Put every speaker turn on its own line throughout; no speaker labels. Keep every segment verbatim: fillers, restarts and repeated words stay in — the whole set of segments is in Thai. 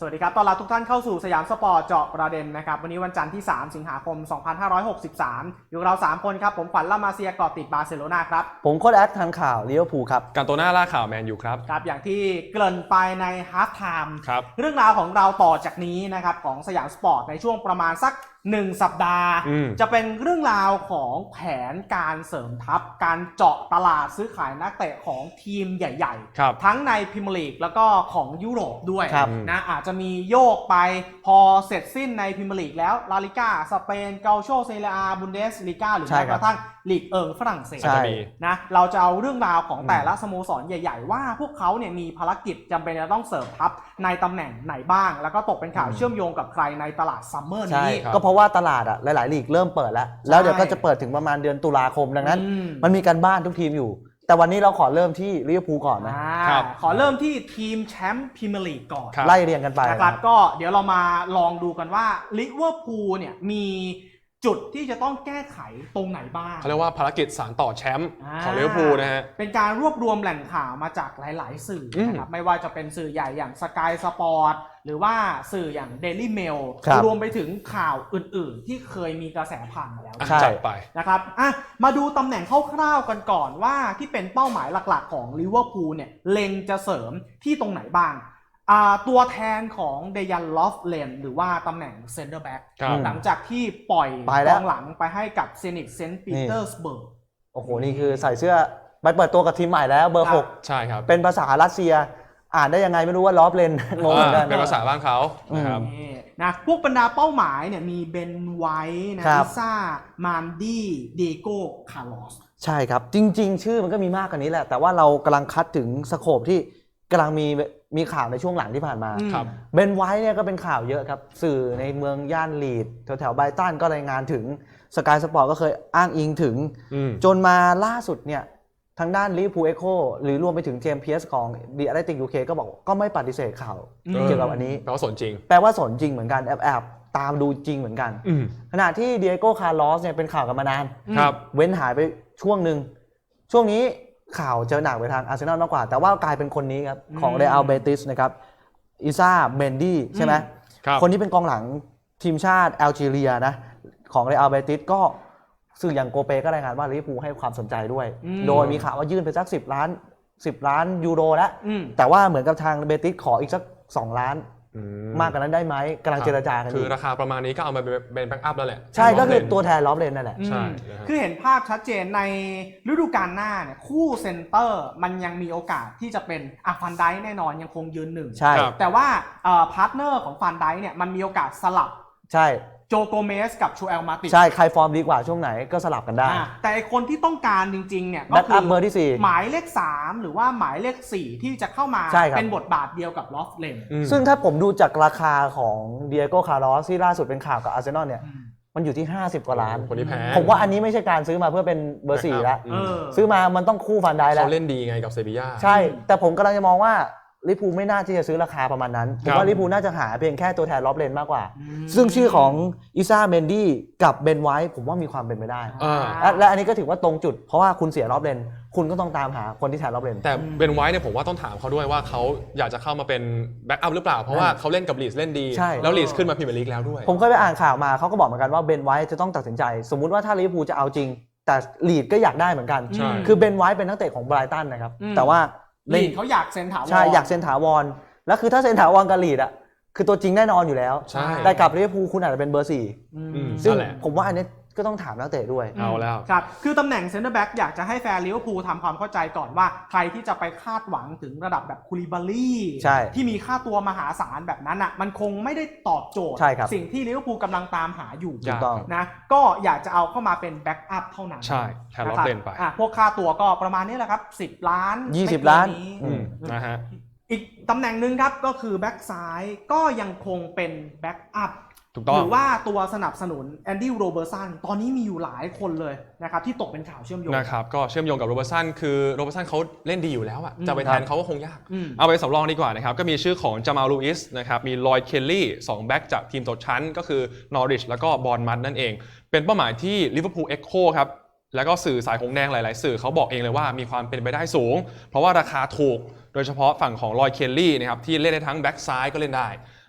สวัสดีครับต้อนรับทุกท่านเข้าสู่สยามสปอร์ตเจาะประเด็นนะครับวันนี้วันจันทร์ที่สามสิงหาคมสองพันห้าร้อยหกสิบสามอยู่เราสามคนครับผมขวัญล่ามาเซียเกาะติดบาร์เซโลนาครับ
ผมโค้ชแอดทันข่าวลิเวอร์พูลครับ
การโตน่าล่าข่าวแมนยูครับ
ครับอย่างที่เกริ่นไปในฮาล์ฟไทม์
ครับ
เรื่องราวของเราต่อจากนี้นะครับของสยามสปอร์ตในช่วงประมาณสักหนึ่งสัปดาห์จะเป็นเรื่องราวของแผนการเสริมทัพการเจาะตลาดซื้อขายนักเตะของทีมใหญ่ๆทั้งในพรีเมียร์ลีกแล้วก็ของยุโรปด้วยนะอาจจะมีโยกไปพอเสร็จสิ้นในพรีเมียร์ลีกแล้วลาลิก้าสเปนเกาโชเซเรียอาบุนเดสลีกาหรือแม้กระทั่งลีกเอิงฝรั่งเศสนะเราจะเอาเรื่องราวของแต่ละสโมสรใหญ่ๆว่าพวกเขาเนี่ยมีภารกิจจำเป็นจะต้องเสริมทัพในตำแหน่งไหนบ้างแล้วก็ตกเป็นข่าวเชื่อมโยงกับใครในตลาดซัมเมอร์นี้
ก็เพราะว่าตลาดอ่ะหลายๆลีกเริ่มเปิดแล้วแล้วเดี๋ยวก็จะเปิดถึงประมาณเดือนตุลาคมดังนั้นมันมีการบ้านทุกทีมอยู่แต่วันนี้เราขอเริ่มที่ลิเวอร์พูลก่อนนะ
ขอเริ่มที่ทีมแชมป์พรีเมียร์ลีกก่อน
ไล่เรียงกันไป
นะครับก็เดี๋ยวเรามาลองดูกันว่าลิเวอร์พูลเนี่ยมีจุดที่จะต้องแก้ไขตรงไหนบ้าง
เขาเรียกว่าภารกิจสานต่อแชมป์ของลิเวอร์พูลนะฮะ
เป็นการรวบรวมแหล่งข่าวมาจากหลายๆสื่อนะครับไม่ว่าจะเป็นสื่อใหญ่อย่าง Sky Sport หรือว่าสื่ออย่าง Daily Mail รวมไปถึงข่าวอื่นๆที่เคยมีกระแสผ่านมาแล้ว
จัดไป
นะครับอ่ะมาดูตำแหน่งคร่าวๆกันก่อนว่าที่เป็นเป้าหมายหลักๆของลิเวอร์พูลเนี่ยเล็งจะเสริมที่ตรงไหนบ้างตัวแทนของเดยันลอฟเลนหรือว่าตำแหน่งเซนเตอร์แบ็กหลังจากที่ปล่อยกองหลังไปให้กับเซนิกเซนต์ปีเตอร์สเบิร์ก
โอ้โหนี่คือใส่เสื้อไปเปิดตัวกับทีมใหม่แล้วเบอร์หก
ใช่ครับ
เป็นภาษารัสเซียอ่านได้ยังไงไม่รู้ว่าลอฟเลนงงเหมือนกัน
เป็นภาษาบ้านเขานะครับ
นะพวกบรรดาเป้าหมายเนี่ยมีเบนไวท์นะลิซ่ามานดี้เดโก้คาร์ลอส
ใช่ครับจริงๆชื่อมันก็มีมากกว่านี้แหละแต่ว่าเรากำลังคัดถึงสโคปที่กำลังมีมีข่าวในช่วงหลังที่ผ่านมาเบนไวท์เนี่ยก็เป็นข่าวเยอะครับสื่อในเมืองย่านลีดแถวๆไบรตันก็รายงานถึงสกายสปอร์ตก็เคยอ้างอิงถึงจนมาล่าสุดเนี่ยทางด้านลิเวอร์พูลเอ็กโคหรือรวมไปถึงเจมส์เพียร์สของดีอาร์ติกยูเคก็บอกก็ไม่ปฏิเสธข่าวเกี่ยวกับอันนี้
แปลว่าสนจริง
แปลว่าสนจริงเหมือนกันแอบๆตามดูจริงเหมือนกันขณะที่เดียโก้คาร์ลอสเนี่ยเป็นข่าวกันมานานเว้นหายไปช่วงหนึ่งช่วงนี้ข่าวจะหนักไปทางอาร์เซนอลมากกว่าแต่ว่ากลายเป็นคนนี้ครับของเรอัลเบติสนะครับอิซ่าเมนดี้ใช่ไหมคนนี้เป็นกองหลังทีมชาติแอลจีเรียนะของเรอัลเบติสก็สื่ออย่างโกเปก็รายงานว่าลิเวอร์พูลให้ความสนใจด้วยโดยมีข่าวว่ายื่นไปสักสิบล้านสิบล้านยูโรแล้วแต่ว่าเหมือนกับทางเบติสขออีกสักสองล้านมากกว่านั้นได้ไหมกำลังเจรจากันอยู่
คือราคาประมาณนี้ก็เอามาเป็นแบ็กอัพแล้วแหละ
ใช่ก็คือตัวแทนลอฟเลนนั่นแหละ
ใช่
คือเห็นภาพชัดเจนในฤดูกาลหน้าเนี่ยคู่เซนเตอร์มันยังมีโอกาสที่จะเป็นอ่ะฟันไดแน่นอนยังคงยืนหนึ่ง
ใช่
แต่ว่าพาร์ทเนอร์ของฟันไดเนี่ยมันมีโอกาสสลับ
ใช่
โจโกเมสกับชูเอลมาติ
ใช่ใครฟอร์มดีกว่าช่วงไหนก็สลับกันได้
แต่คนที่ต้องการจริงๆเนี่ย
ก็คือเบอร์ที่สี่
หมายเลขสามหรือว่าหมายเลขสี่ที่จะเข้ามาเป็นบทบาทเดียวกับลอฟเลน
ซึ่งถ้าผมดูจากราคาของเดียโก้คาร์ลอสที่ล่าสุดเป็นข่าวกับอาร์เซนอลเนี่ยมันอยู่ที่ห้าสิบกว่าล้าน
คนนี้แพง
ผมว่าอันนี้ไม่ใช่การซื้อมาเพื่อเป็นเบอร์สี่แล้วซื้อมามันต้องคู่ฟันได้แล้ว
เขาเล่นดีไงกับเซบีย่า
ใช่แต่ผมกำลังจะมองว่าลิเวอร์พูลไม่น่าที่จะซื้อราคาประมาณนั้นผมว่าลิเวอร์พูลน่าจะหาเพียงแค่ตัวแทนลอฟเลนมากกว่าซึ่งชื่อของอิซ่าเมนดี้กับเบนไวท์ผมว่ามีความเป็นไปได้และอันนี้ก็ถือว่าตรงจุดเพราะว่าคุณเสียลอฟเลนคุณก็ต้องตามหาคนที่แทนลอฟเลน
แต่เบนไวท์เนี่ยผมว่าต้องถามเขาด้วยว่าเขาอยากจะเข้ามาเป็นแบ็กอัพหรือเปล่าเพราะว่าเขาเล่นกับลีดเล่นดีแล้วลีดขึ้นมาพรีเมียร์ลีกแล้วด้วย
ผมเคยไปอ่านข่าวมาเขาก็บอกเหมือนกันว่าเบนไวท์จะต้องตัดสินใจสมมุติว่าถ้าลิเวอร์พูลจะเอาจริงแต่ลีดก็อยากได้เหมือนกันคือเบนไวท์เป็นนักเตะของไบรตันนะครับแต่ว่า
ลีดเขาอยากเซ็นถาวร
ใช่อยากเซ็นถาวรแล้วคือถ้าเซ็นถาวรกับลีดอ่ะคือตัวจริงแน่นอนอยู่แล้วแต่กับลิเวอร์พูลคุณอาจจะเป็นเบอร์สี่ซึ่งผมว่าอันนี้ก็ต้องถามนักเตะด้วย
เอาแล้ว
ครับคือตำแหน่งเซนเตอร์แบ็กอยากจะให้แฟนลิเวอร์พูลทำความเข้าใจก่อนว่าใครที่จะไปคาดหวังถึงระดับแบบคูลิบาลี่ที่มีค่าตัวมหาศาลแบบนั้นอ่ะมันคงไม่ได้ตอบโจทย์สิ่งที่ลิเวอร์พูลกำลังตามหาอยู่นะก็อยากจะเอาเข้ามาเป็นแบ็กอัพเท่านั้น
ใช่แทนลอฟเลนไป
พวกค่าตัวก็ประมาณนี้แหละครับสิบล้าน
ยี่สิบล้าน
นะฮะอีกตำแหน่งหนึ่งครับก็คือแบ็กซ้ายก็ยังคงเป็นแบ็กอัพหรือว่าตัวสนับสนุนแอนดี้โรเบอร์สันตอนนี้มีอยู่หลายคนเลยนะครับที่ตกเป็นข่าวเชื่อมโยง
นะครับก็เชื่อมโยงกับโรเบอร์สันคือโรเบอร์สันเขาเล่นดีอยู่แล้วอะจะไปแทนเขาก็คงยากเอาไปสำรองดีกว่านะครับก็มีชื่อของจามาลลูอิสนะครับมีลอยด์เคลลี่สองแบ็กจากทีมตกชั้นก็คือนอริชแล้วก็บอร์นมัธนั่นเองเป็นเป้าหมายที่ลิเวอร์พูลเอ็กโคครับแล้วก็สื่อสายหงแดงหลายๆสื่อเขาบอกเองเลยว่ามีความเป็นไปได้สูงเพราะว่าราคาถูกโดยเฉพาะฝั่งของลอยด์เคลลี่นะครับที่เล่นได้ทั้งแบ็กซ้ายก็เล่นได้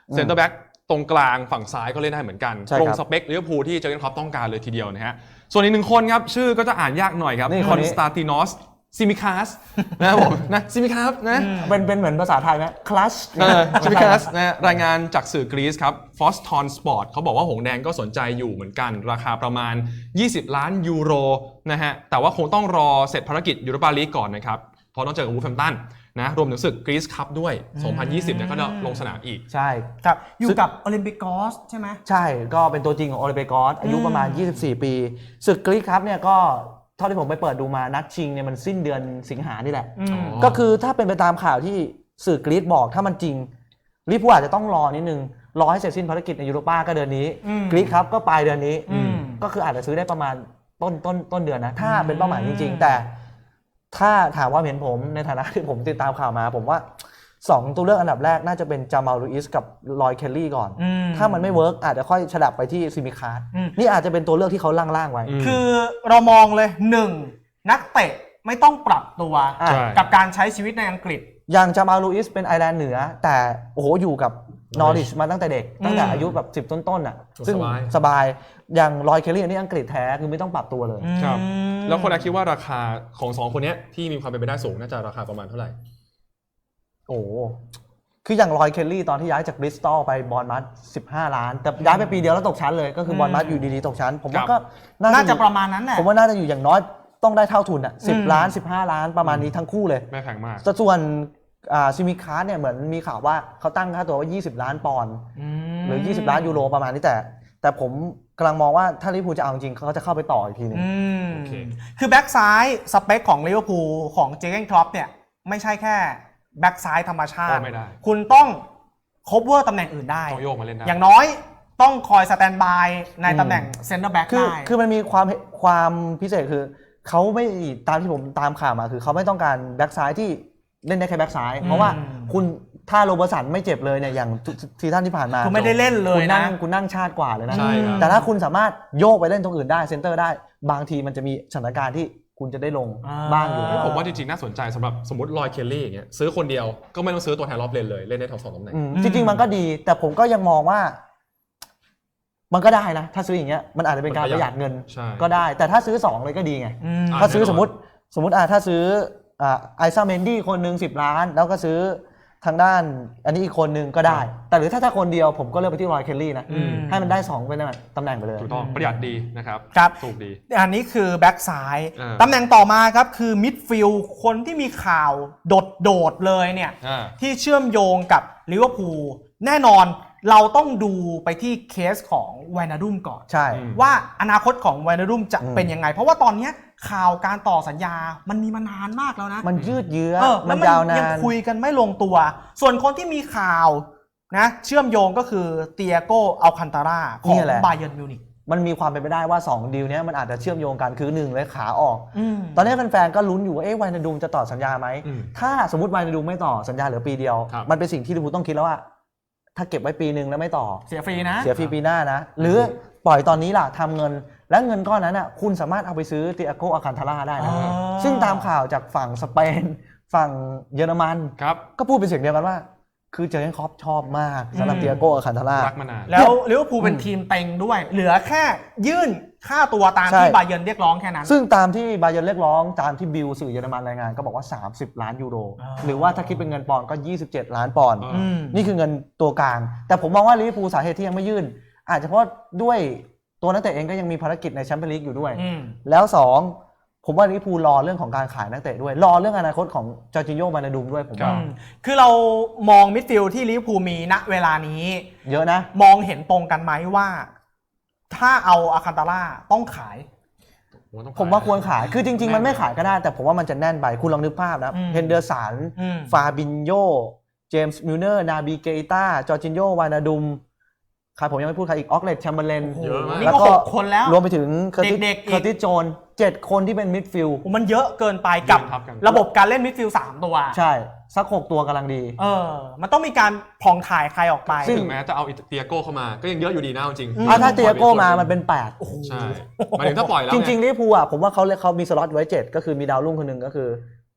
เซนเตอร์แบ็กตรงกลางฝั่งซ้ายก็เล่นได้เหมือนกัน
ใช่
ตรง
ครับ
สเปคลิเวอร์พูลที่เจอร์เกนคล็อปต้องการเลยทีเดียวนะฮะส่วนอีกหนึ่งคนครับชื่อก็จะอ่านยากหน่อยครับ
นี่
ค
ค
อน น
นี้
สตาตินอสซิมิคาสนะครับผมนะซิมิคาสนะ
เป็นเป็นเหมือนภาษาไทยไหมคลัช
ซิมิคาสนะรายงานจากสื่อกรีซครับฟอสทอนสปอร์ตเขาบอกว่าหงแดงก็สนใจอยู่เหมือนกันราคาประมาณยี่สิบล้านยูโรนะฮะแต่ว่าคงต้องรอเสร็จภารกิจยูโรปาลีกก่อนนะครับเพราะต้องเจอกับวูฟแฮมป์ตันนะรวมถึงศึกกรีซคัพด้วยสองพันยี่สิบเนี่ยก็จะลงสนามอีก
ใช่
ครับอยู่กับโอลิมปิกอสใช่ไหม
ใช่ก็เป็นตัวจริงของโอลิเปกอสอายุประมาณ ยี่สิบสี่ ปีศึกกรีซครับเนี่ยก็เท่าที่ผมไปเปิดดูมานัดชิงเนี่ยมันสิ้นเดือนสิงหานี่แหละ
อืม
อ๋อ
ก็คือถ้าเป็นไปตามข่าวที่สื่อกรีซบอกถ้ามันจริงลิเวอร์พูลอาจจะต้องรอนิดนึงรอให้เสร็จสิ้นภารกิจในยูโรป้าก็เดือนนี้
อืม
กรีซครับก็ปลายเดือนนี้
อืม
ก็คืออาจจะซื้อได้ประมาณต้นต้นต้นเดือนนะถ้าเป็นเป้าหมายจริง ๆ แต่ถ้าถามว่าเห็นผมในฐานะที่ผมติดตามข่าวมาผมว่าสองตัวเลือกอันดับแรกน่าจะเป็นจามาลลูอิสกับลอยเคลลี่ก่อน
อืม
ถ้ามันไม่เวิร์กอาจจะค่อยฉลับไปที่ซิมิคาร์ด
อืม
นี่อาจจะเป็นตัวเลือกที่เขาล่างๆไว้
อืม
คือเรามองเลยหนึ่งนักเตะไม่ต้องปรับตัว
อ่ะ
ใช่
กับการใช้ชีวิตในอังกฤษ
อย่างจามาลลูอิสเป็นไอร์แลนด์เหนือ แต่โอ้โหอยู่กับนอริชมาตั้งแต่เด็ก ตั้งแต่อายุแบบสิบต้นๆอ่ะซึ่ง
สบาย
สบายอย่างลอยเคลลี่อันนี้อังกฤษแท้คือไม่ต้องปรับตัวเลย
ครับ
อืม
แล้วคนแรกคิดว่าราคาของสองคนเนี้ยที่มีความเป็นไปได้สูงน่าจะราคาประมาณเท่าไหร่
โอ้โหคืออย่างลอยเคลลี่ตอนที่ย้ายจากบริสตอลไปบอลมัสสิบห้าล้าน แต่ย้ายไปปีเดียวแล้วตกชั้นเลยก็คือ
ม
บอลมัสอยู่ดีๆตกชั้น ผมว่า
ครั
ก็
บ
น่า
น่า
จะ
จะ
อยู่
ประมาณนั้นแหละ
ผมว่าน่าจะอยู่อย่างน้อยต้องได้เท่าทุนอ่ะสิบ
อืม
ล้านสิบห้าล้านประมาณนี้ทั้งคู่เลย
ไม่แพงมาก
แต่ส่วนอ่าซิมิคาร์ดเนี่ยเหมือนมีข่าวว่าเขาตั้งค่าตัวว่ายี่สิบล้านปอนด์
ม
หรือยี่สิบล้านยูโรประมาณนี้แต่ แต่ผมกำลังมองว่าถ้าลิเวอร์พูลจะเอาจริงเขาก็จะเข้าไปต่ออีกทีหนึง
อืม
โอเค
คือแบ็กซ้ายสเปคของลิเวอร์พูลของเจอร์เกนคล็อปเนี่ยไม่ใช่แค่แบ็กซ้ายธรรมชา
ก็
ติ
ไม่ได้
คุณต้องคบเวอร์ตำแหน่งอื่นได้
ต้องโยกมาเล่นได้
อย่างน้อยต้องคอยสแตนบายในตำแหน่งเซนเตอร์แบ็ก
คือ
ได้
คือมันมีความความพิเศษคือเขาไม่ตามที่ผมตามข่าวมาคือเขาไม่ต้องการแบ็กซ้ายที่เล่นได้แค่แบ็กซ้าย เพราะว่าคุณถ้าโรเบอร์สันไม่เจ็บเลยเนี่ยอย่างซีซั่นที่ผ่านมา
คือไม่ได้เล่นเล
คุ
ย
ณ
นะ
นั่งคุณนั่งชาติกว่าเลยนะ
ใช่ครับ
แต่ถ้าคุณสามารถโยกไปเล่นตรงอื่นได้เซนเตอร์ได้บางทีมันจะมีสถานการณ์ที่คุณจะได้ลง
อ่า
บ้างอยู่
เฮ้ยผมว่าจริงๆน่าสนใจสำหรับสมมติลอยเคลลี่อย่างเงี้ยซื้อคนเดียวก็ไม่ต้องซื้อตัวแทนรอบเลนเลยเล่นได้ทั้งสองตำแหน่ง
อืมจริงๆมันก็ดี แต่ผมก็ยังมองว่า มันก็ได้นะ ถ้าซื้ออย่างเงี้ยมันอาจจะเป็นการ
มัน
ป
ประ
ระ
ห
ห
ยั
ยั
ด
ดเงิน
ใช่
ก็ได้ แต่ถ้าซื้อสองเลยก็ดีไง
อืม
อ่า
ถ้าซื้อ
แน่นอน
สมมติสมมติอ่าถ้าซื้ออ่าไอซ่าเมนดี้คนหนึ่งสิบล้าน แล้วก็ซื้อทางด้าน อันนี้อีกคนหนึ่งก็ได้ แต่หรือถ้าถ้าคนเดียวผมก็เลือกไปที่รอยเคลลี่นะ
อืม
ให้มันได้สองเป็นตำแหน่งไปเลย
ถูกต้องประหยัดดีนะครับ
ครับ
ถูกดี
อันนี้คือแบ็กซ้าย
อ่า
ตำแหน่งต่อมาครับคือมิดฟิลด์คนที่มีข่าวโดดๆเลยเนี่ย
อ่า
ที่เชื่อมโยงกับลิเวอร์พูลแน่นอนเราต้องดูไปที่เคสของไวนาดุมก่อน
ใช่
อืม
ว่าอนาคตของไวนาดุมจะ
อืม
เป็นยังไง เพราะว่าตอนเนี้ยข่าวการต่อสัญญามันมีมานานมากแล้วนะ
มันยืดเยื้อ
เออ
มั
แล้ว
น
มัน
ยาวนา
ยัง
น
คุยกันไม่ลงตัว ส่วนคนที่มีข่าวนะเชื่อมโยงก็คือเตียโกอัลคันตาราของบาเยิร์นมิวนิก
มันมีความเป็นไปได้ว่าสองดีลเนี้ยมันอาจจะเชื่อมโยงกันคือหนึ่งเลยขาออก
อืม
ตอนนี้แฟนๆก็ลุ้นอยู่ว่าเอ๊ะไวนาดูมจะต่อสัญญาไหม
อืม
ถ้าสมมติไวนาดูมไม่ต่อสัญญาเหลือปีเดียว
ครับ
มันเป็นสิ่งที่ลิเวอร์พูลต้องคิดแล้วว่า ถ้าเก็บไว้ปีหนึ่งแล้วไม่ต่อ
เสียฟรีนะ
เสียฟรีปีหน้านะ หรือปล่อยตอนนี้ล่ะทำเงิน และเงินก้อนนั้นน่ะคุณสามารถเอาไปซื้อเตียโกอาคันทาร่าได้นะ
อ๋อ
ซึ่งตามข่าวจากฝั่งสเปน ฝั่งเยอรมัน
ครับ
ก็พูดเป็นเสียงเดียวกันว่า คือเจอร์เกนคล็อปชอบมากสำหรับ
อืม
เตียโกอาคันทาร่า
รักมานาน
แล้วลิเวอร์พูลเป็นทีมเต็งด้วย เหลือแค่ยื่นค่าตัวตาม
ใช่
ที่บาเยิร์นเรียกร้องแค่นั้น
ซึ่งตามที่บาเยิร์นเรียกร้องตามที่บิลสื่อเยอรมันรายงานก็บอกว่า สามสิบ ล้านยูโร
อ๋อ
หรือว่าถ้าคิดเป็นเงินปอนด์ก็ ยี่สิบเจ็ด ล้านปอนด์
อ๋อ
อืม
นี่คือเงินตัวกลาง แต่ผมมองว่าลิเวอร์พูลสาเหตุที่ยังไม่ยื่น อาจจะเพราะด้วยตัวนักเตะเองก็ยังมีภารกิจในแชมเปี้ยนลีกอยู่ด้วย
อืม
แล้วสองผมว่าลิเวอร์พูลรอเรื่องของการขายนักเตะด้วย รอเรื่องอนาคตของจอร์จิโญมานาดูมด้วยผม
ครั
ว่า
บ
อืมคือเรามองมิดฟิลด์ที่ลิเวอร์พูลมีณเวลานี้
เยอะนะ
มองเห็นตรงกันไหมว่า ถ้าเอาอาคันตาร่าต้องขาย
ผมว่าควรขาย คือจริง ๆ มันไม่ขายก็ได้ แต่ผมว่ามันจะแน่นไป คุณลองนึกภาพนะ
อืม
เฮนเดอร์สัน
อืม
ฟาบินโย เจมส์มิลเนอร์ นาบีเกต้า จอร์จิโญ วานาดุมใครผมยังไม่พูดใครอีก ออกเลตแชมเบอร์เลน
เยอะมาก
นี่ก็หกคนแล้ว
รวมไปถึงเคอร์ติส
เด็กๆอีก
เคอร์ติสโจนเจ็ดคนที่เป็นมิดฟิลด์
โอ้มันเยอะเกินไปกับ
ยืนทับกัน
ระบบการเล่นมิดฟิลด์สามตัว
ใช่ สักหกตัวกำลังดี
เออ มันต้องมีการผ่องถ่ายใครออกไป
ซึ่ง
ถึงแม้จะเอาเตียโก้เข้ามาก็ยังเยอะอยู่ดีนะเอาจริง
อืม
อ่ะถ้าเตียโก้มามันเป็นแปด
ใช่หมายถึงถ้าปล่อยแล้ว
จ
ไง
ริงๆลิเวอร์พูลอ่ะผมว่าเขาเขามีสล็อตไว้เจ็ดก็คือมีดาวรุ่งคนหนึ่งก็คือ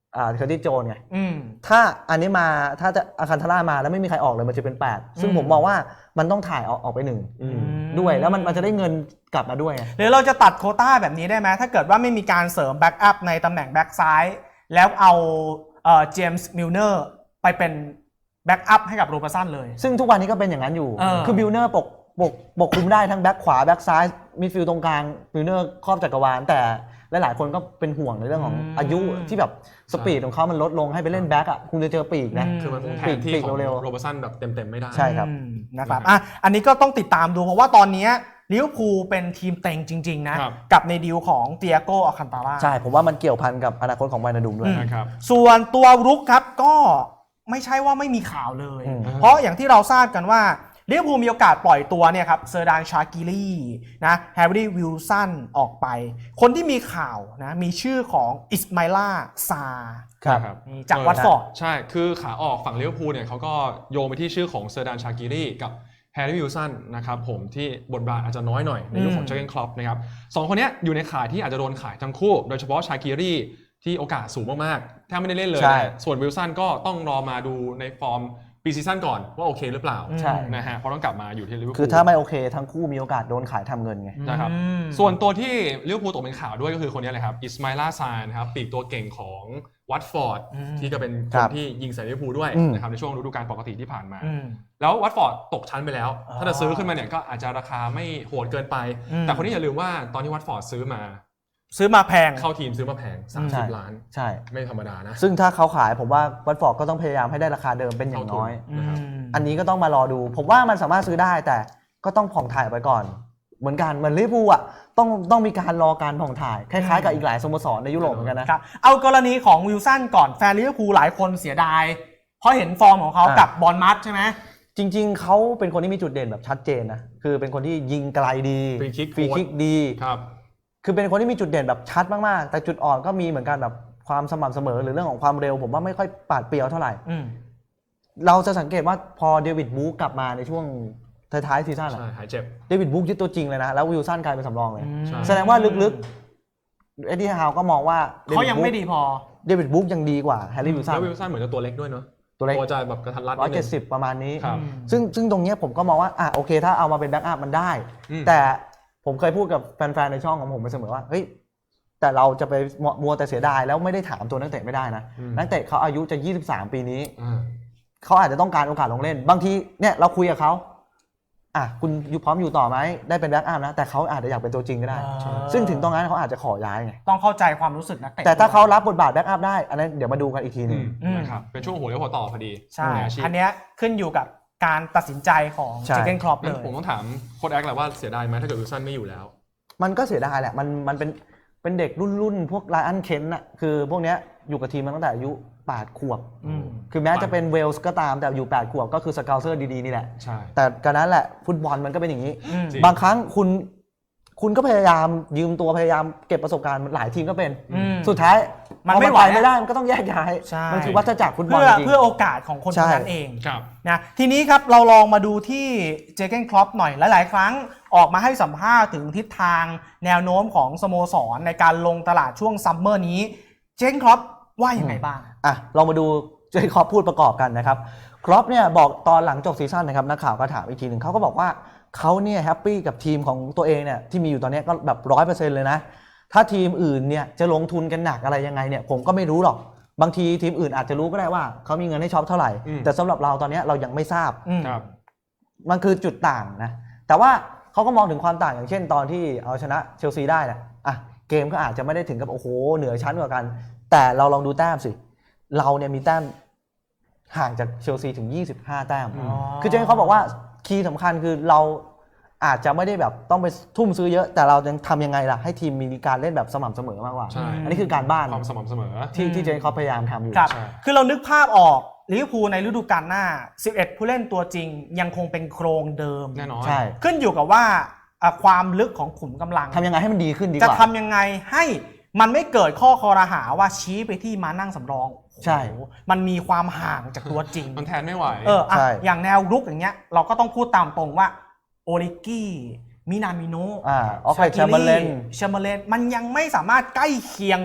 อ่าเคอร์ติสโจนไง
อืม
ถ้าอันนี้มาถ้าจะอาคันทาร่ามาแล้วไม่มีใครออกเลยมันจะเป็นแปดซึ่ง
อืม
ผมมองว่ามันต้องถ่ายออกออกไปหนึ่งด้วยแล้วมันมันจะได้เงินกลับมาด้วยไง
หรือเราจะตัดโควต้าแบบนี้ได้ไหมถ้าเกิดว่าไม่มีการเสริมแบ็กอัพในตำแหน่งแบ็กซ้ายแล้วเอาเอ่อเจมส์มิลเนอร์ไปเป็นแบ็กอัพให้กับโรเบอร์สันเลย
ซึ่งทุกวันนี้ก็เป็นอย่างนั้นอยู่
เออ
คือบิลเนอร์ปกปกปกคุมได้ทั้งแบ็คขวาแบ็คซ้ายมิดฟิลด์ตรงกลางบิลเนอร์ครอบจักรวาลแต่หลายๆคนก็เป็นห่วงในเรื่องของอายุที่แบบสปีดของเขามันลดลงให้ไปเล่นแบ็คอ่ะคุณจะเจอปีกนะ
คือมันคงแทนที่ของโรเบอร์สันแบบเต็มๆไม่ได้
ใช่ครับ
อืมนะครับอ่ะอันนี้ก็ต้องติดตามดูเพราะว่าตอนนี้ลิเวอร์พูลเป็นทีมเต็งจริงๆนะครับ กับในดีลของเตียโกอาคันตาร่า
ใช่ผมว่ามันเกี่ยวพันกับอนาคตของไวนาดุมด้วย
นะครับ
ส่วนตัวรุกครับก็ไม่ใช่ว่าไม่มีข่าวเลย
อืม
เพราะอย่างที่เราทราบกันว่าลิเวอร์พูลมีโอกาสปล่อยตัวเนี่ยครับเซอร์ดานชากิลีนะแฮร์รี่วิลสันออกไป คนที่มีข่าวนะมีชื่อของอิสมาอิล่าซา
ครับ
นี่จากวัตฟอร์ด
ใช่ คือขาออกฝั่งลิเวอร์พูลเนี่ยเขาก็โยงไปที่ชื่อของเซอร์ดานชากิรีกับแฮร์รี่วิลสันนะครับผมที่บทบาทอาจจะน้อยหน่อยในยุคของเจอร์เกนคล็อปนะครับสองคนนี้อยู่ในข่ายที่อาจจะโดนขายทั้งคู่ โดยเฉพาะชากิรีที่โอกาสสูงมากๆแทบไม่ได้เล่นเลย
ใช่
นะส่วนวิลสันก็ต้องรอมาดูในฟอร์มปีซีซั่นก่อนว่าโอเคหรือเปล่า
ใช่
นะฮะเพราะต้องกลับมาอยู่ที่ลิเวอร์พูล
คือถ้าไม่โอเคทั้งคู่มีโอกาสโดนขายทำเงินไง
นะครับ
อืม
ส่วนตัวที่ลิเวอร์พูลตกเป็นข่าวด้วยก็คือคนนี้เลยครับอิสมาอิล่าซานครับปีกตัวเก่งของวัตฟอร์ด
อืม
ที่ก็เป็นค
ครั
น
บ
ที่ยิงใส่ลิเวอร์พูลด้วย
อืม
นะครับในช่วงฤดูกาลปกติที่ผ่านมา
อืม
แล้ววัตฟอร์ดตกชั้นไปแล้ว
อ๋อ
ถ้าจะซื้อขึ้นมาเนี่ยก็อาจจะราคาไม่โหดเกินไป
อืม
แต่คนนี้อย่าลืมว่าตอนที่วัตฟอร์ดซื้อมา
ซื้อมาแพง
เข้าทีมซื้อมาแพง
ใช่
สามสิบล้าน
ใช่
ไม่ธรรมดานะ
ซึ่งถ้าเขาขายผมว่าวัตฟอร์ดก็ต้องพยายามให้ได้ราคาเดิมเป็นอย่างน้อย
นะครับ
อันนี้ก็ต้องมารอดู ผมว่ามันสามารถซื้อได้แต่ก็ต้องผ่องถ่ายไปก่อน เหมือนกันเหมือนลิเวอร์พูลอ่ะต้องต้องมีการรอการผ่องถ่ายคล้ายๆกับอีกหลายสโมสรในยุโรปเหมือนกันนะครับ
เอากรณีของวิลสันก่อนแฟนลิเวอร์พูลหลายคนเสียดาย เพราะเห็นฟอร์มของเขา
อ่ะ
กับบอลมัดใช่ไหม
จริงๆเขาเป็นคนที่มีจุดเด่นแบบชัดเจนนะคือเป็นคนที่ยิงไกลดี
Free kick
ฟรีคิกดี
ครับ
คือเป็นคนที่มีจุดเด่นแบบชัดมากๆแต่จุดอ่อนก็มีเหมือนกันแบบความสม่ำเสมอหรือเรื่องของความเร็วผมว่าไม่ค่อยปาดเปรียวเท่าไหร่
อืม
เราจะสังเกตว่าพอเดวิดบู๊กลับมาในช่วงท้ายๆซีซั่นอะ
ใช่หายเจ็บ
เดวิดบุ๊กยึดตัวจริงเลยนะ แล้ววิลสันกลายเป็นสำรองเลย
ใช่
แสดงว่าลึกๆเอ็ดดี้ฮาวก็มองว่า
เขายังไม่ดีพอ
เดวิดบุ๊กยังดีกว่าแฮร์รี่วิลสัน
แล้ววิลสันเหมือนจะตัวเล็กด้วยเนาะ
ตัวเล็ก
ตัวจะแบบกระทัดรัด
ร้อย
นิด
เจ็
นึ
ด
ง
สิบประมาณนี้
ครับ
ซึ่งซึ่งตรงเนี้ยผมก็มองว่าอ่ะโอเคถ้าเอามาเป็นแบ็กอัพมันได้
อืม
แต่ผมเคยพูดกับแฟนๆในช่องของผมไปเสมอว่าเฮ้ยแต่เราจะไปมัวแต่เสียดายแล้วไม่ได้ถามตัวนักเตะไม่ได้นะ
อืม
นักเตะเขาอายุจะยี่สิบสามปีนี้
อ่า
เขาอาจจะต้องการโอกาสลงเล่น บางทีเนี่ยเราคุยกับเขาอ่ะคุณอยู่พร้อมอยู่ต่อไหมได้เป็นแบ็กอัพนะแต่เขาอาจจะอยากเป็นตัวจริงก็ได้
อ่า
ซึ่งถึงตรงนั้นเขาอาจจะขอย้ายไง
ต้องเข้าใจความรู้สึกนักเตะ
แต่ถ้าเขารับบทบาทแบ็กอัพได้ อันนั้นเดี๋ยวมาดูกันอีกทีหนึง
อืม
นะครับเป็นช่วงหัวเลี้ยวหัวต่อพอดี
ใช่
ในอาชีพ
อันเนี้ยขึ้นอยู่กับการตัดสินใจของ
ใช่
เจเกนคล็อปเล
งั้น
ย
ผมต้องถามโค้ชแอคแหละว่าเสียดายไหมถ้าเกิดวิลสันไม่อยู่แล้ว
มันก็เสียดายแหละ มันมันเป็นเป็นเด็กรุ่นรุ่นพวกไลอันเคนน่ะคือพวกเนี้ยอยู่กับทีมมาตั้งแต่อายุแปดขวบ
อืม
คือแม้จะเป็นเวลส์ก็ตามแต่อยู่แปดขวบก็คือสเกลเซอร์ดีๆนี่แหละ
ใช่
แต่การนั้นแหละฟุตบอลมันก็เป็นอย่างนี้
อืม
จริง
บางครั้งคุณคุณก็พยายามยืมตัวพยายามเก็บประสบการณ์หลายทีมก็เป็น
อืม
สุดท้าย
มัน
พอ
ไม่ไหว
ปไม่ได้มันก็ต้องแยกย้าย
ใช่
มันคือวัฏจักรฟุตบอล
เพื่อ
จริง
เพื่อโอกาสของคน
ใช่
คนนั้นเอง
ครับ
นะทีนี้ครับเราลองมาดูที่เจเกนคล็อปหน่อยหลายๆครั้งออกมาให้สัมภาษณ์ถึงทิศทางแนวโน้มของสโมสรในการลงตลาดช่วงซัมเมอร์นี้เจเกนคล็อปว่ายังไงบ้าง
อ่ะลองมาดูเจครอปพูดประกอบกันนะครับครอปเนี่ยบอกตอนหลังจบซีซั่นนะครับนักข่าวก็ถามอีกทีหนึ่งเขาก็บอกว่าเขาเนี่ยแฮปปี้กับทีมของตัวเองเนี่ยที่มีอยู่ตอนนี้ก็แบบร้อยเปอร์เซ็นต์เลยนะถ้าทีมอื่นเนี่ยจะลงทุนกันหนักอะไรยังไงเนี่ยผมก็ไม่รู้หรอกบางทีทีมอื่นอาจจะรู้ก็ได้ว่าเขามีเงินให้ช็อปเท่าไหร่
อืม
แต่สำหรับเราตอนนี้เรายังไม่ทราบ
อืม
ครับ
มันคือจุดต่างนะแต่ว่าเขาก็มองถึงความต่างอย่างเช่นตอนที่เอาชนะเชลซีได้นะอ่ะเกมก็อาจจะไม่ได้ถึงกับโอ้โหเหนือชั้นกว่ากัน แต่เราลองดูแต้มสิเราเนี่ยมีแต้มห่างจากเชลซีถึงยี่สิบห้าแต้ม
อ๋อ
คือเจนเขาบอกว่าคีย์สำคัญคือเราอาจจะไม่ได้แบบต้องไปทุ่มซื้อเยอะ แต่เรายังทำยังไงล่ะให้ทีมมีการเล่นแบบสม่ำเสมอมากกว่า
ใช่
อันนี้คือการบ้าน
ความสม่ำเสมอ
ที่ที่เจนเขาพยายามทำอยู่
ครับ
ใช่
คือเรานึกภาพออกลิเวอร์พูลในฤดูกาลหน้าสิบเอ็ดผู้เล่นตัวจริงยังคงเป็นโครงเดิม
แน่นอน
ใช่
ขึ้นอยู่กับว่าอ่ะความลึกของขุมกำลัง
ทำยังไงให้มันดีขึ้นดีก
จะ
ว่า
ทำยังไงให้มันไม่เกิดข้อคอรหาว่าชี้ไปที่มานั่งสำรอง
ใช่
โอ้โหมันมีความห่างจากตัวจริง
มันแทนไม่ไหว
เอออ่ะ
ใช่
อย่างแนวรุกอย่างเงี้ยเราก็ต้องพูดตามตรงว่าโอริกี้มินามิโนะ
อ่าออกไปแชมเบอร์เลน
แชมเบอร์เลนมันยังไม่สามารถใกล้เคียงกับ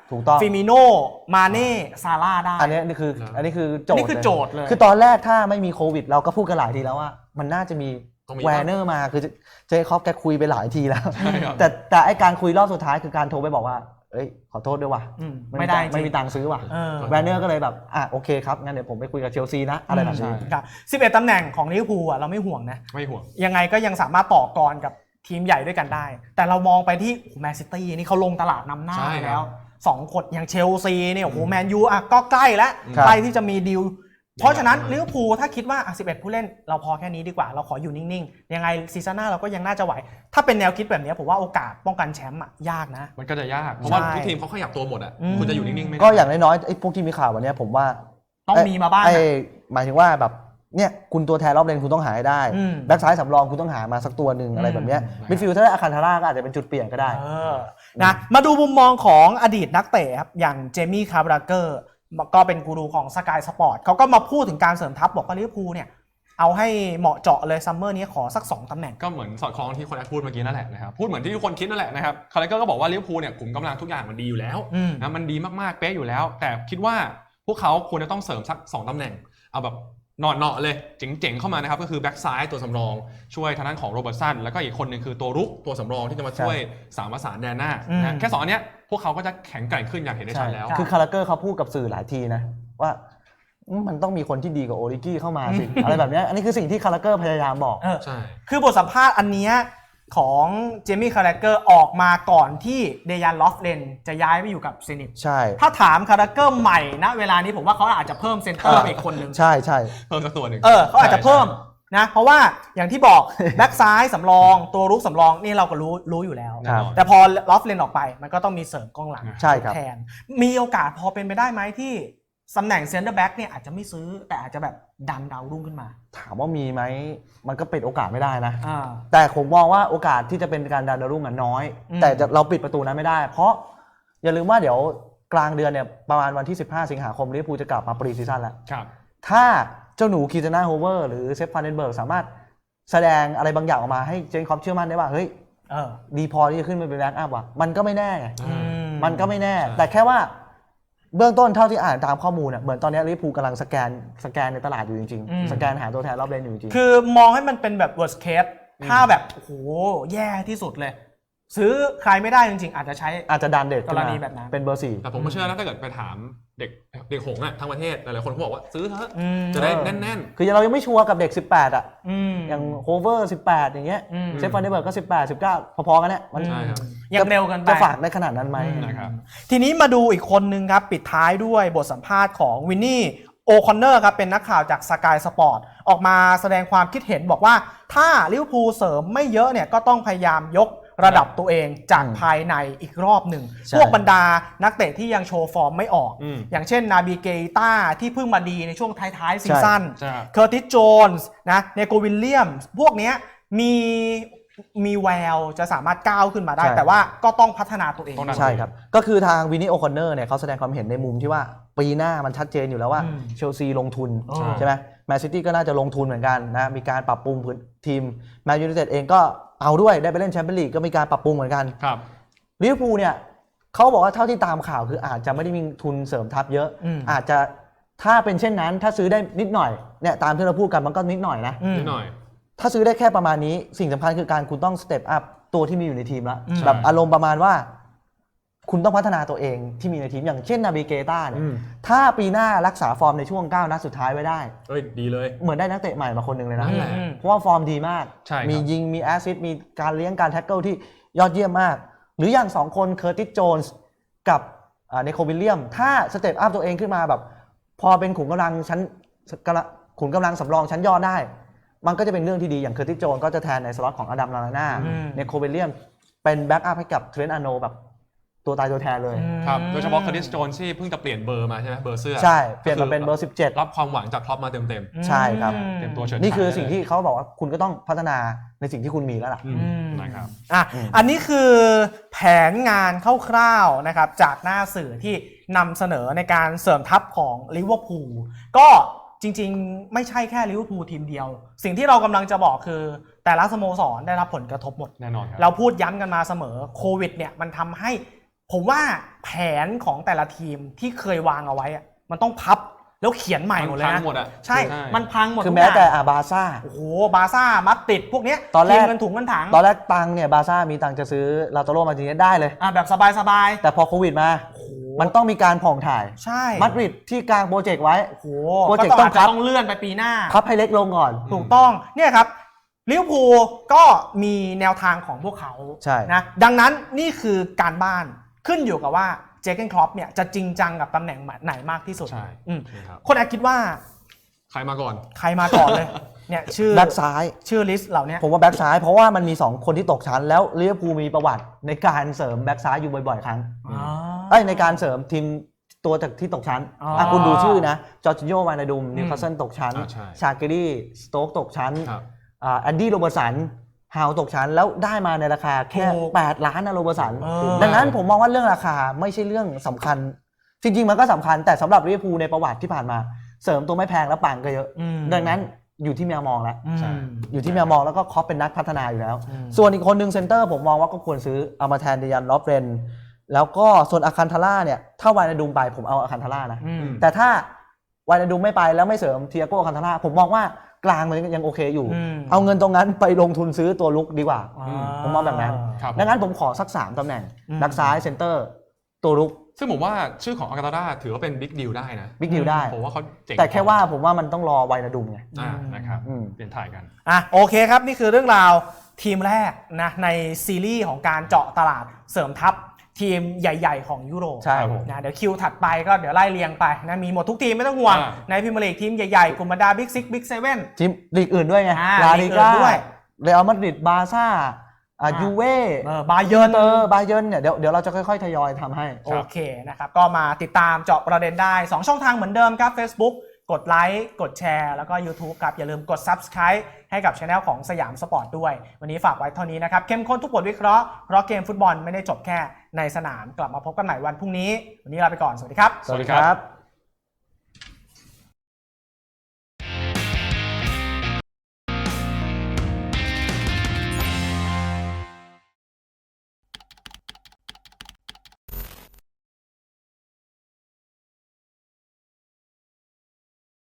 ถูกต้อง
ฟิมิโน่มาเน่ซาร่าได้
อันนี้นี่คืออันนี้คือโจทย์
นี่คือโจทย์เลย
คือตอนแรกถ้าไม่มีโควิดเราก็พูดกันหลายทีแล้วว่ามันน่าจะมีแวร์เนอร์มาคือเจคอบแกคุยไปหลายทีแล้วแต่แต่ไอการคุยรอบสุดท้ายคือการโทรไปบอกว่าเอ้ยขอโทษด้วยว่ะ
ไม่ได้
ไม่มีตังค์ซื้อว่ะแวร์เนอร์ก็เลยแบบอ่ะโอเคครับงั้นเดี๋ยวผมไปคุยกับเชลซีนะอะไรแบบนี้
ครับสิบเอ็ดตำแหน่งของลิเวอร์พูลอ่ะเราไม่ห่วงนะ
ไม่ห่วง
ยังไงก็ยังสามารถต่อกรกับทีมใหญ่ด้วยกันได้แต่เรามองไปที่แมนซิตี้นี่เขาลงตลาดนำหน้าไปแล้วสองคนอย่างเชลซีเนี่ยโอ้โหแมนยูอ่ะก็ใกล้แล้วใกล้ที่จะมีดีลเพราะฉะนั้นลิเวอร์พูลถ้าคิดว่าสิบเอ็ดผู้เล่นเราพอแค่นี้ดีกว่าเราขออยู่นิ่งๆยังไงซีซั่นหน้าเราก็ยังน่าจะไหวถ้าเป็นแนวคิดแบบนี้ผมว่าโอกาสป้องกันแชมป์อ่ะยากนะ
มันก็จะยากเพราะว่าทุกทีมเขาขยับตัวหมดอ่ะคุณจะอยู่นิ่งๆไม่ได้
ก็อย่างน้อยๆไอ้พวกที่มีข่าววันนี้ผมว่า
ต้องมีมาบ้าง
ไอ้หมายถึงว่าแบบเนี่ยคุณตัวแทนรอบเลนคุณต้องหาให้ได้แบ็คซ้ายสำรองคุณต้องหามาสักตัวหนึ่งอะไรแบบนี้มิดฟิลด์ถ้าได้อาคันทาร่าก็อาจจะเป็นจุดเปลี่ยนก็ได้
นะมาดูมุมมองของอดีตนักเตะครับอย่างเจมี่คาร์บราเกอร์ก็เป็นกูรูของสกายสปอร์ตเขาก็มาพูดถึงการเสริมทัพบอกว่าลิเวอร์พูลเนี่ยเอาให้เหมาะเจาะเลยซัมเมอร์นี้ขอสักสองตำแหน่ง
ก็เหมือนสอดคล้องที่คนแอดพูดเมื่อกี้นั่นแหละนะครับพูดเหมือนที่ทุกคนคิดนั่นแหละนะครับคาร์เลเกอร์ก็บอกว่าลิเวอร์พูลเนี่ยกลุ่มกำลังทุกอย่างมันดีอยู่แล้วนะมันดีมากๆเป๊ะอยู่แล้วแต่คิดว่าพวกเขาควรจะต้องเสริมสักสองตำแหน่งเอาแบบเนาะๆเลยเจ๋งๆเข้ามานะครับก็คือแบ็กซ้ายตัวสำรองช่วยทางด้านของโรเบิร์ตสันแล้วก็อีกคนหนึ่งคือตัวรุกตัวสำรองที่จะมาช่วยสามประสานแดนหน้านะแค่สองอันเนี้ยพวกเขาก็จะแข็งแกร่งขึ้นอย่างเห็นได้ชัดแล้ว
คือคาร์เกอร์เขาพูดกับสื่อหลายทีนะว่ามันต้องมีคนที่ดีกว่าโอริกี้เข้ามาสิอะไรแบบนี้อันนี้คือสิ่งที่คาร์เกอร์พยายามบอก
ใช่
คือบทสัมภาษณ์อันนี้ของเจมี่คาร์เกอร์ออกมาก่อนที่เดยันลอฟเลนจะย้ายไปอยู่กับเซนิต
ใช่
ถ้าถามคาร์เกอร์ใหม่นะเวลานี้ผมว่าเขาอาจจะเพิ่มเซนเตอร์ไปอีกคนนึง
ใช่ใช่
เพิ่มสักตัวหนึ่ง
เออเขาอาจจะเพิ่มนะเพราะว่าอย่างที่บอกแบ็กซ้ายสำรองตัวรุกสำรองนี่เราก็รู้รู้อยู่แล้วแต่พอลอฟเลนออกไปมันก็ต้องมีเสริมกองหลังแทนมีโอกาสพอเป็นไปได้ไหมที่ตำแหน่งเซนเตอร์แบ็กเนี่ยอาจจะไม่ซื้อแต่อาจจะแบบดันดาวรุ่งขึ้นมา
ถามว่ามีไหมมันก็เป็นโอกาสไม่ได้นะแต่ผมมองว่าโอกาสที่จะเป็นการดันดาวรุ่งน้อยแต่เราปิดประตูนั้นไม่ได้เพราะอย่าลืมว่าเดี๋ยวกลางเดือนเนี่ยประมาณวันที่สิบห้าสิงหาคมลิเวอร์พูลจะกลับมาปรีซีซั่นแล้วถ้าเจ้าหนูคีซาน่าโฮเวอร์หรือเซฟฟานเดนเบิร์กสามารถแสดงอะไรบางอย่างออกมาให้เจนคอปเชื่อมั่นได้ว่าเฮ้ยดีพอที่จะขึ้นมาเป็นแบ็กอัพว่ะมันก็ไม่แน่ไงมันก็ไม่แน่แต่แค่ว่าเบื้องต้นเท่าที่อ่านตามข้อมูลเนี่ยเหมือนตอนนี้ลิเวอร์พูลกำลังสแกนสแกนในตลาดอยู่จริงๆสแกนหาตัวแทนรอบเลนอยู่จริง
คือมองให้มันเป็นแบบ worst case ถ้าแบบโอ้โหแย่ที่สุดเลยซื้อใครไม่ได้จริงๆอาจจะใช้
อาจจะดันเด็ก
กรณีแบบนั้น
เป็นเบอร์สี่
แต่ผมก็เชื่อนะถ้าเกิดไปถามเด็กเด็กหงส์อะทั้งประเทศหลายๆคนเขาบอกว่าซื้อเถอะจะได้แน่น
ๆคือเรายังไม่ชัวร์กับเด็กสิบแปดอ่ะอย่างโฮเวอร์สิบแปดอย่างเงี้ยเซฟฟานเดอร์เบิร์กก็สิบแปด สิบเก้าพอๆกันเนี่ย
มัน
ยังเร็วกันไป
จะฝากได้ขนาดนั้นไหม
นะครับ
ทีนี้มาดูอีกคนนึงครับปิดท้ายด้วยบทสัมภาษณ์ของวินนี่โอคอนเนอร์ครับเป็นนักข่าวจากสกายสปอร์ตออกมาแสดงความคิดเห็นบอกว่าถ้าลิเวอร์พูลเสริมไม่เยอะเนี่ยก็ต้องพยายามยกระดับตัวเองจากภายในอีกรอบหนึ่งพวกบรรดานักเตะที่ยังโชว์ฟอร์มไม่ออกอย่างเช่นนาบีเกต้าที่เพิ่งมาดีในช่วงท้ายๆซีซั่นเคอร์ติสโจนส์นะเนโกวิลเลียมพวกนี้มีมีแววจะสามารถก้าวขึ้นมาได้แต่ว่าก็ต้องพัฒนาตัวเอง
ใช่ครับก็คือทางวินนี่โอคอนเนอร์เนี่ยเขาแสดงความเห็นในมุมที่ว่าปีหน้ามันชัดเจนอยู่แล้วว่าเชลซีลงทุนใช่ไหมแมนซิตี้ก็น่าจะลงทุนเหมือนกันนะมีการปรับปรุงพื้นทีมแมนยูไนเต็ดเองก็เอาด้วยได้ไปเล่นแชมเปี้ยนลีกก็มีการปรับปรุงเหมือนกัน
ครับ
ลิเวอร์พูลเนี่ยเขาบอกว่าเท่าที่ตามข่าวคืออาจจะไม่ได้มีทุนเสริมทัพเยอะอาจจะถ้าเป็นเช่นนั้นถ้าซื้อได้นิดหน่อยเนี่ยตามที่เราพูดกันมันก็นิดหน่อยนะ
นิดหน่อย
ถ้าซื้อได้แค่ประมาณนี้สิ่งสำคัญคือการคุณต้องสเต็ปอัพตัวที่มีอยู่ในทีมแล้วแบบอารมณ์ประมาณว่าคุณต้องพัฒนาตัวเองที่มีในทีมอย่างเช่นนาบิเกต้าเนี่ยถ้าปีหน้ารักษาฟอร์มในช่วงเก้านัดสุดท้ายไว้ได้
เฮ้ยดีเลย
เหมือนได้นักเตะใหม่มาคนหนึ่งเลยนะเพราะว่าฟอร์มดีมากมียิงมีแอสซิสต์มีการเลี้ยงการแท็กเกิลที่ยอดเยี่ยมมากหรืออย่างสองคนเคอร์ติสโจนส์กับเนโควิลเลียมถ้าสเต็ปอัพตัวเองขึ้นมาแบบพอเป็นขุนกำลังชั้นขุนกำลังสำรองชั้นยอดได้มันก็จะเป็นเรื่องที่ดีอย่างเคอร์ติสโจนส์ก็จะแทนในสล็อตของอดัมลาลาน่าเนโควิลเลียมเป็นแบ็กอัพให้กับเทรนต์อาโนแบบตัวตายตัวแทนเลย
ครับโดยเฉพาะคาร์ดิสโจนที่เพิ่งจะเปลี่ยนเบอร์มาใช่ไหมเบอร์เสื้อ
ใช่เปลี่ยนมาเป็นเบอร์สิบเจ็ด
รับความหวังจากครอปมาเต็ม
ๆใช่ครับ
เต็มตัวเฉิดฉาย
นี่คือสิ่งที่เขาบอกว่าคุณก็ต้องพัฒนาในสิ่งที่คุณมีแล้วล่ะ
นะครับ
อ่ะอันนี้คือแผนงานคร่าวๆนะครับจากหน้าสื่อที่นำเสนอในการเสริมทัพของลิเวอร์พูลก็จริงๆไม่ใช่แค่ลิเวอร์พูลทีมเดียวสิ่งที่เรากำลังจะบอกคือแต่ละสโมสรได้รับผลกระทบหมด
แน่นอนครับ
เราพูดย้ำกันมาเสมอโควิดเนี่ยมันทำให้ผมว่าแผนของแต่ละทีมที่เคยวางเอาไว้อะมันต้องพับแล้วเขียนใหม่หมดเลย
พั
นะ
งหมดอ่ะ
ใช่ มันพังหมด
คือ
ทุก
แม้
ย่าง
แต่อาบาซ่า
โอ้โหบาร์ซ่ามัดติดพวกเนี้ย
ตอนแรก
ทีมเงินถุงเงินถัง
ตอนแรกตังค์เนี่ยบาร์ซ่ามีตังค์จะซื้อลาโตโรมาร์ติเนสได้เลย
อ่ะแบบสบายๆ
แต่พอโควิดมา
โอ้โห
มันต้องมีการผ่องถ่าย
ใช่
มาดริดที่กลางโปรเจกต์ไว้
โอ้โห
โปรเจกต์
ก็
ต้อง
อาจจะ
พับ
ต้องเลื่อนไปปีหน้า
พับให้เล็กลงก่อน
ถูกต้องเนี่ยครับลิเวอร์พูลก็มีแนวทางของพวกเขา
ใช่
นะดังนั้นนี่คือการบ้านขึ้นอยู่กับว่าเจเกนคล็อปเนี่ยจะจริงจังกับตำแหน่งไหนมากที่สุด
ใช่
อืม
ครับ
คนอาจคิดว่า
ใครมาก่อน
ใครมาก่อนเลย เนี่ยชื่อ
แบ็กซ้าย
ชื่อลิสต์เหล่านี้
ผมว่าแบ็กซ้ายเพราะว่ามันมีสองคนที่ตกชั้นแล้วลิเวอร์พูลมีประวัติในการเสริมแบ็กซ้ายอยู่บ่อยๆครั้ง
อ๋อ
เอ้ยในการเสริมทีมตัวจากที่ตกชั้น
อ๋ออ่
ะคุณดูชื่อนะจอร์จิโญวานาดุม
อืม
นิวคาสเซิลตกชั้น
อ่าใช่
ชาเกรี่สโต๊กตกชั้น
ครับ
อ่าแอนดี้โรเบอร์สันฮาวตกชั้น แล้วได้มาในราคาแค่
ถูก
แปดล้านนะโรเบอร์สัน
เออ
ดังนั้นผมมองว่าเรื่องราคาไม่ใช่เรื่องสำคัญ จริงๆมันก็สำคัญแต่สำหรับลิเวอร์พูลในประวัติที่ผ่านมา เสริมตัวไม่แพงแล้วปังก็เยอะ
อืม
ดังนั้นอยู่ที่แมวมองแล้ว
อืม
ใช่
อยู่ที่แมวมองแล้วก็คอปเป็นนักพัฒนาอยู่แล้ว
อืม
ส่วนอีกคนหนึ่งเซนเตอร์ผมมองว่าก็ควรซื้อเอามาแทนเดยันลอฟเรนแล้วก็ส่วนอาคันทาร่าเนี่ยถ้าวายนาดูมไปผมเอาอาคันทาร่านะ
อืม
แต่ถ้าวายนาดูมไม่ไปแล้วไม่เสริมเทียโก้อาคันทาร่าผมมองว่ากลางมันยังโอเคอยู่
อืม
เอาเงินตรงนั้นไปลงทุนซื้อตัวลุกดีกว่า
อ่า
ผมมองแบบนั้น
ครับ
ดังนั้นผมขอสักสามตำแหน่ง
อืม
แบ็กซ้ายเซนเตอร์ตัวลุก
ซึ่งผมว่าชื่อของอากาตาถือว่าเป็นบิ๊กดีลได้นะ
บิ๊กดิวได้
ผมว่าเขาเจ๋ง
แต่แค่ว่าผมว่ามันต้องรอวายนาดูมไง
อ่านะครับ
อืม
เปลี่ยนถ่ายกัน
อ่ะโอเคครับ นี่คือเรื่องราวทีมแรกนะในซีรีส์ของการเจาะตลาดเสริมทัพทีมใหญ่ ๆ ของยุโรป
ใช่
ครับผม
นะเดี๋ยวคิวถัดไปก็เดี๋ยวไล่เรียงไปนะมีหมดทุกทีมไม่ต้องห่วง
อ่า
ในพรีเมียร์ลีกทีมใหญ่ๆกลุ่มบรรดาบิ๊กซิกบิ๊กเซเว่น
ทีมลีกอื่นด้วยไง
อ่า
ลา
ลี
ลิ
กอื่
ก้าน
ด้วย
เรอัลมาดริดบาร์ซ่าอ่า
อ่า
ยูเว่
เออบาเยิร์น
เตอร์บาเยิร์นเนี่ยเดี๋ยวเดี๋ยวเราจะค่อยๆทยอยทำให้
โอเคนะครับก็มาติดตามเจาะประเด็นได้ สอง ช่องทางเหมือนเดิมครับ Facebook กดไลค์กดแชร์แล้วก็ YouTube ครับอย่าลืมกด Subscribe ให้กับช anel ของสยามสปอร์ตด้วย วันนี้ฝากไว้เท่านี้นะครับเข้มข้นทุกบทวิเคราะห์เพราะเกมฟุตบอลไม่ได้จบแค่ในสนามกลับมาพบกันใหม่วันพรุ่งนี้วันนี้ลาไปก่อนสวัสดีครับ
สวัสดีครับ